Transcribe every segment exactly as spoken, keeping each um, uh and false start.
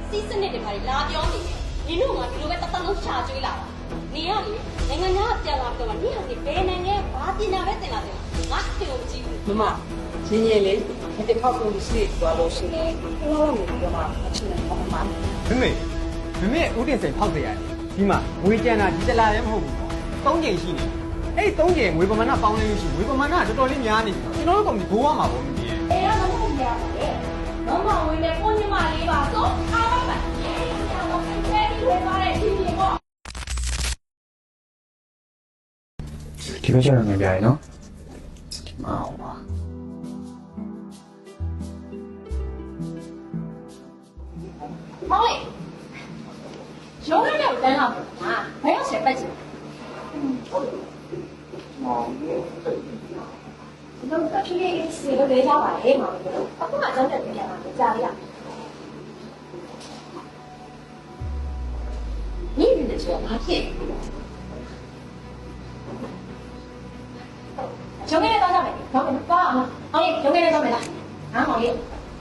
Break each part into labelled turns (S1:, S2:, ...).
S1: စီးစနစ်တွေပါလာပြောနေတယ်နင်တို့ကဒီလိုပဲတသက်လုံးရှာကျွေးလာတာနေရလေနိုင်ငံသားပြန်လာတော့နင်ဟာဒီဘယ်နိုင်ငံဘာပညာပဲတင်လာတယ်ငါအဖေကိုမကြည့်ဘူး
S2: မမရင်းရင်းလေးဒီခောက်ကုန်စီသွားလို့ရှိရင်ဘယ်လိုလုပ်နေကြမှာအချင်းနဲ့မမ
S3: မမေမမေဦးတင်စိန်ဖောက်တယ်ဒီမှာငွေကြံတာဒီတလားလည်းမဟုတ်ဘူးသုံးချိန်ရှိနေအဲ့သုံးချိန်ငွေပမာဏပေါင်းနေလို့ရှိငွေပမာဏတော်တော်လေးများနေပြီကျွန်တော်တို့ကောင်ဒီဘိုးရမှာပေါ့မင်းကြီး
S1: အေးရမဟုတ်ရပါလေတော့မဝင်နဲ့ကိုညီမလေးပါဆိုအားပါပါအေးရတော့ဖဲပြီးဝယ်ပါတဲ့ဒီမြေပေါ့
S4: ဒီလိုကျတော့ငပြရနော်ဒီမှာဟောပါ
S1: မောင်လေးရုံးရတဲ့တန်းလာပါဟာဘယ်ရောက်ဆက်ပတ်ချင်
S4: မောင်
S1: တော့တဖြည်းဖြည်းစီလို့လေးရပါလေမောင်လေးအခုမှကျောင်းတက်ပြန်လာကြားရ你认得说马屁？熊给你多少枚？熊给多少啊？毛利，熊给你多少枚了？啊，毛利。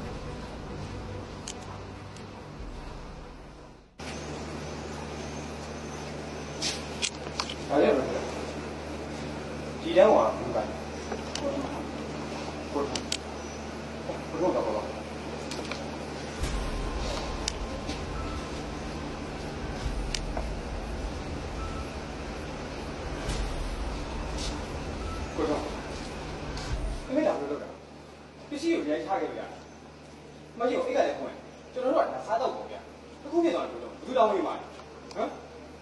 S4: ဘာလဲဘယ်ဒီတန်းကဘာလဲဘုရားဘုရားကတော့ကိုတော့အမေတောင်လို့တော့ပစ္စည်းကိုရိုင်းချခဲ့လို့ရတယ်မကြီးကိုအိတ်ကလည်းဖွင့်ကျွန်တော်တို့ကစားတော့ပုံဗျာအခုဖြစ်သွားတယ်လို့ဘူးတောင်းမိမှာဟမ်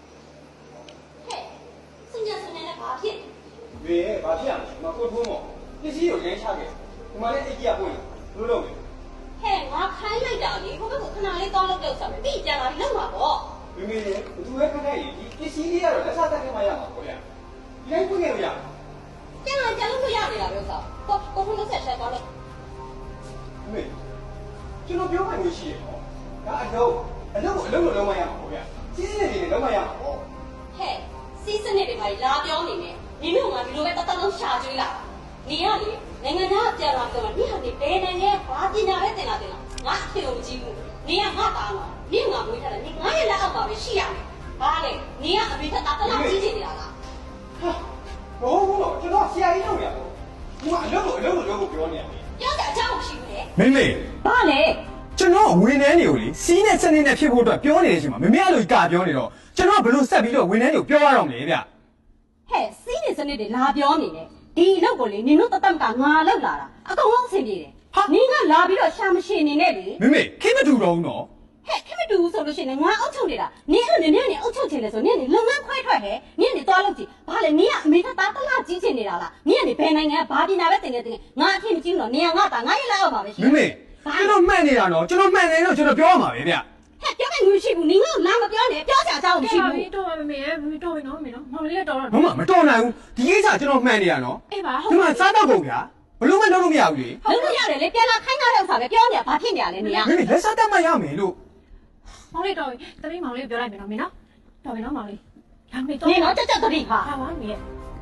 S1: 新疆是那个马屁。
S4: ရေဘာဖြစ်ရမလဲမကိုထိုးမော်ပစ္စည်းကိုရိုင်းချခဲ့ဒီမှာလည်းအိတ်ကြီးကပွင့်လို့လို့မယ်
S1: ဟဲ့ငါခိုင်းလိုက်တာလေဘုဘကခဏလေးတောင်းလို့ကြောက်စားမယ်ပြီးကြလာလောက်မှာပေါ့
S4: မိမိလေဘသူပဲခဏရေးဒီပစ္စည်းလေးကတော့လက်စားတက်နေမှရမှာပေါ့ဗျာဒီတိုင်းပွင့်ခဲ့လို့ရမှာ
S1: ကျန်လာကျန်လို့ရနေတာပဲဆိုတော့ကိုကိုလုံးဆက်ဆက်သွားလို့
S4: မေကျွန်တော်ပြောမှလို့ရှိရနော်ဒါအလုံးအလုံးအလုံးလိုလုံးမရမှာပေါ့ဗျာစီးစင်းနေနေလုံးမရမှာပေါ့
S1: ဟဲ့စီးစနစ်တွေပါလာပြောနေတယ်နင်တို့ကဒီလိုပဲတသက်လုံးရှာကျွေးလာနေရလေနိုင်ငံသားပြန်လာတော့နင်ဟာဒီဘယ်နိုင်ငံဘာပညာပဲတင်လာတယ်လားငါအဖေကိုမကြည့်ဘူးနင်ကငါသားလားနင်ငါမွေးထားတယ်နင်ငါရဲ့လက်အောက်မှာပဲရှိရမယ်ဘာလဲနင်ကအမေထက်တာတလားကြီးချင်နေတာလား
S4: ဟာဘိုးဘုတော့ကျွန်တော်ဆရာကြီးလုပ်ရတော့ဒီမှာအလုံးလိုအလုံးလိုလုံးကိုပြောနေရတယ်
S1: ပြောကြအကြောင်းမရှိဘူးလေ
S3: မင်းမေ
S1: ဘာလဲ
S3: ကျွန်တော်ဝင်းနှန်းတွေကိုလေစီးနဲ့စနေနဲ့ဖြစ်ဖို့အတွက်ပြောနေတဲ့အချိန်မှာမမေအဲ့လိုကပြောနေတော့ကျွန်တော်ဘယ်လိုဆက်ပြီးတော့ဝင်းနှန်းတွေကိုပြောရအောင်လဲဗျ
S1: ဟဲ့စီးနေစနစ်တွေလာပြောနေတယ်ဒီလောက်ကိုလေနင်တို့တတက်ကငါလောက်လာတာအကုန်လုံးအဆင်ပြေတယ်ဟာနင်ကလာပြီးတော့ရှာမရှိနေနဲ့လေ
S3: မမေခင်းမတူတော့ဘူးနော်
S1: ဟဲ့ခင်းမတူဘူးဆိုလို့ရှိရင်ငါအုပ်ချုပ်နေတာနင်အဲ့လိုနင်နဲ့အုပ်ချုပ်ချင်တယ်ဆိုနင်ကလုံငန်းခွဲထွက်ဟဲ့နင်ကနေသွားလို့ကြည့်ဘာလဲနင်ကအမေကသားတလားကြီးချင်နေတာလားနင်ကနေဘယ်နိုင်ငံဘာပညာပဲတင်နေတင်ငါအထင်မကြီးဘူးနော်နင်ကငါသားငါရဲ့လက်အောက်မှာပဲရှိ
S3: မမေကျွန်တော်မှန်နေတာနော်ကျွန်တော်မှန်တယ်တော့ကျွန်တော်ပြောရမှာပဲဗျ
S1: ဟဲ့ပြောမယ်ငွေရှိဘူးနင်ကလာမပြောနဲ့ပြောချာအကြောင်းမရှိဘူး
S2: တော်ပါမမေရဲ့မမေတော်ပြီနော်မမေနော်မောင်လေးတော်တော့
S3: မမမတော်နိုင်ဘူးဒီကိစ္စကျွန်တော်မှန်နေတာနော်
S2: အေးပါဟုတ်
S3: ဒီမှာစားတော့ကုန်ဗျာဘလို့မလုပ်လို့မရဘူးလေ
S1: လုပ်လို့ရတယ်လေပြန်လာခိုင်းထားတဲ့ဥစ္စာပဲပြောနေတာဘာဖြစ်နေရလဲနင်က
S3: မမေလက်စားတတ်မှရမယ်လို့
S2: မောင်လေးတော်ပြီတမီးမောင်လေးပြောလိုက်မယ်နော်မင်းနော်တော်ပြီနော်မောင်လေးဒါမေ
S1: တော့နင်တော့တက်တက်တတိခါ
S2: ဟာပါမင်း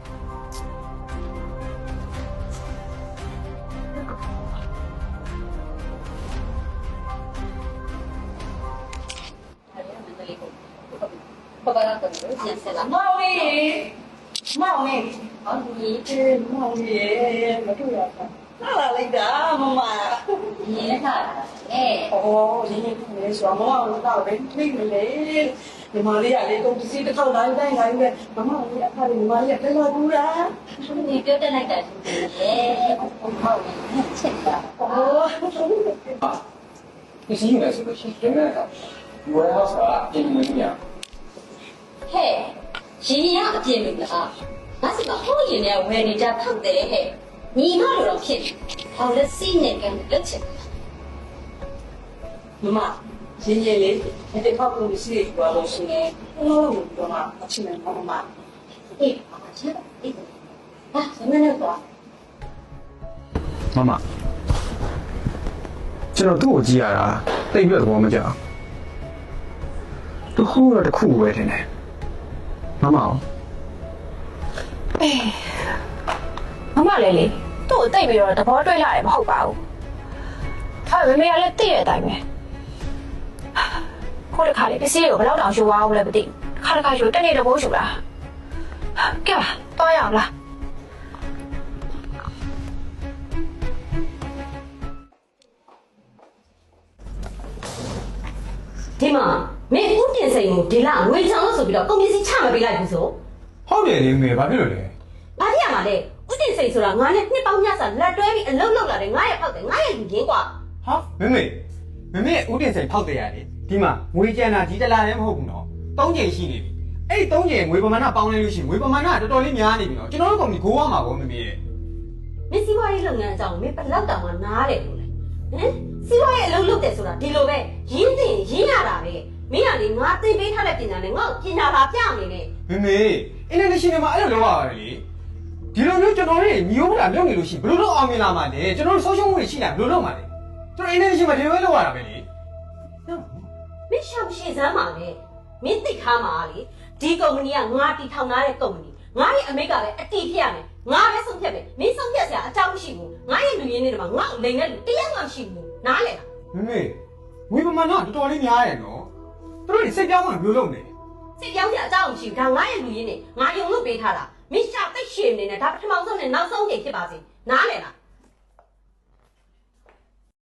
S1: 爸爸那个先生啦，
S2: 毛利，毛利，毛利，毛利，没注意啊，哪来的妈妈？
S1: 你看，哎，
S2: 哦，你你说毛利到底没没来？你毛利啊，你公司的头来来来的，妈妈你看你毛利在哪住啦？
S1: 你表弟来的，哎，我毛利很欠的。
S2: 哦，
S4: 啊，你是应该是个新人的，我要啥？给你们讲。
S1: 嘿，新人的见面了啊！那是个好人呢，为人家讨的嘿，你哪有人骗？讨了新人跟人钱。
S2: 妈妈，新人哩，你得靠公司做老师呢，我唔做嘛，我请人帮忙。
S1: 哎，妈妈知道，哎，啊，什么那个？
S4: 妈妈，ကျွန်တော်သူ့ကိုကြည့်ရတာတိတ်ပြတ်သဘောမကျသူဟိုးရတဲ့ခုပဲတင်တယ်မမအောင်
S2: အေးမမလေးလေသူ့ကိုတိတ်ပြီးတော့သဘောတွေ့လာတယ်မဟုတ်ပါဘူးဒါပေမဲ့မမေကလည်းသိရတဲ့အတိုင်းပဲ
S5: ခုတစ်ခါလေပစ္စည်းကိုဘယ်တော့တောင်ယူသွားအောင်လဲမသိဘူးခါတစ်ခါယူတက်နေတော့ဘိုးယူတာကဲပါတော့ရအောင်လား
S1: ဒီမှာမင်းဦးတင်စိန်ကိုဒီလငွေချောင်းလို့ဆိုပြီးတော့ကုန်ပစ္စည်းချမပေးလိုက်ဘူးဆို
S3: ဟုတ်တယ်လေမေဘာဖြစ်လို့လဲ
S1: ဘာဖြစ်ရမှာလဲဦးတင်စိန်ဆိုတာငါနဲ့နှစ်ပေါင်းများစွာလက်တွဲပြီးအလုပ်လုပ်လာတယ်ငါရဲ့ဖောက်တယ်ငါရဲ့လူရင်းกว่า
S3: ဟာမေမေမေမေဦးတင်စိန်ဖောက်တယ်ရတယ်ဒီမှာငွေကြံတာဒီတလားလည်းမဟုတ်ဘူးနော်သုံးချိန်ရှိနေပြီအဲ့သုံးချိန်ငွေပမာဏပေါင်းလဲလို့ရှိရင်ငွေပမာဏတော်တော်လေးများနေပြီနော်ကျွန်တော်တို့ကောင်ဒီကိုးရမှာပေါ့မေမေရဲ့
S1: မင်းစီးပွားရေးလုပ်ငန်းအကြောင်းမင်းဘယ်လောက်တောင်မှနားတယ်လို့လဲဟမ်စီးပွားရေးအလုပ်လုပ်တယ်ဆိုတာဒီလိုပဲရင်းသိရင်ရင်းရတာပဲမင်းကလေငါသင်ပေးထားတဲ့ပညာနဲ့ငါ့ကိုပညာလာပြနေတယ်
S3: မေမေအင်တာနက်ရှင်တွေမှာအဲ့လိုလုပ်ရပါတယ်လေဒီလိုမျိုးကျွန်တော်တို့ညီဦးတာလုပ်နေလို့ရှိရင်ဘယ်လိုလုပ်အောင်မြင်လာမှာလဲကျွန်တော်တို့ဆုံးရှုံးမှုတွေရှိလာဘယ်လိုလုပ်မှာလဲကျွန်တော်အင်တာနက်ရှင်မှာဒီလိုပဲလုပ်ရတာပဲလေ
S1: မင်းရှောင်ရှည်စမ်းပါလေမင်းသိထားမှာလေဒီကုမ္ပဏီကငါတီထောင်ထားတဲ့ကုမ္ပဏီငါရဲ့အမိတ်ကလည်းအတီးဖြစ်ရမယ်ငါပဲဆုံးဖြတ်မယ်မင်းဆုံးဖြတ်စရာအကြောင်းမရှိဘူးငါရဲ့လူရင်းတွေမှာငါ့ကိုလိန်တဲ့လူတရားမှမရှိဘူးနားလေလား
S3: မေမေငွေပမာဏတော်တော်လေးများတယ်နော်သူတို့စိတ်ပြောင်းမှဘယ်လိုလုပ်နေ
S1: စိတ်ပြောင်းစရာအကြောင်းမရှိဘူးဒါငါရဲ့လူရင်းတွေငါယုံလို့ပေးထားတာမင်းရှာသိရှည်နေနဲ့ဒါပထမဆုံးနဲ့နောက်ဆုံးချိန်ဖြစ်ပါစေနားလေလား